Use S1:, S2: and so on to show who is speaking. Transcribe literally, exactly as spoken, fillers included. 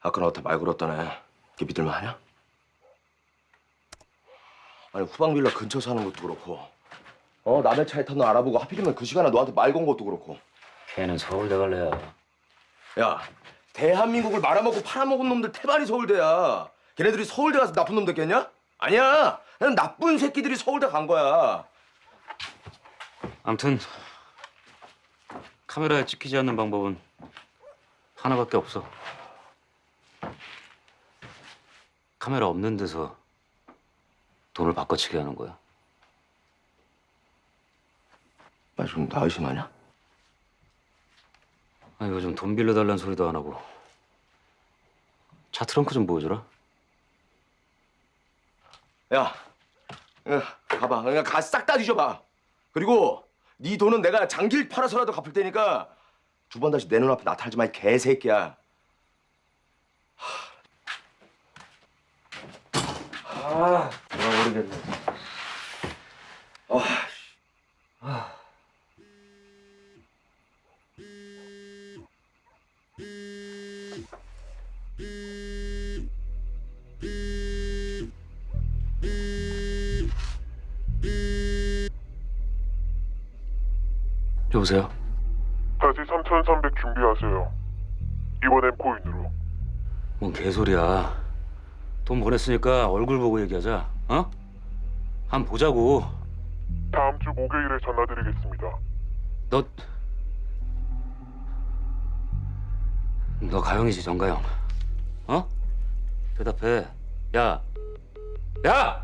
S1: 아까 나한테 말 걸었다네. 걔 믿을만 하냐? 아니 후방 빌라 근처 사는 것도 그렇고 어 남의 차에 탄 너 알아보고 하필이면 그 시간에 너한테 말 건 것도 그렇고.
S2: 걔는 서울대 갈래야.
S1: 야 대한민국을 말아먹고 팔아먹은 놈들 태반이 서울대야. 걔네들이 서울대 가서 나쁜 놈 됐겠냐? 아니야. 그냥 나쁜 새끼들이 서울대 간 거야.
S2: 아무튼 카메라에 찍히지 않는 방법은 하나밖에 없어. 카메라 없는 데서 돈을 바꿔치기 하는 거야.
S1: 나 지금 나 의심하냐?
S2: 아, 요즘 돈 빌려달라는 소리도 안 하고. 차 트렁크 좀 보여줘라.
S1: 야, 야 가봐. 그냥 가 싹 다 뒤져봐. 그리고 네 돈은 내가 장길 팔아서라도 갚을 테니까 두 번 다시 내 눈앞에 나타나지 마, 이 개새끼야. 아, 나 모르겠네. 아,
S2: 여보세요?
S3: 다시 삼천삼백 준비하세요. 이번엔 코인으로.
S2: 뭔 개소리야. 돈 보냈으니까 얼굴 보고 얘기하자. 어? 한 번 보자고.
S3: 다음 주 목요일에 전화드리겠습니다.
S2: 너... 너 가영이지, 정가영. 어? 대답해. 야! 야!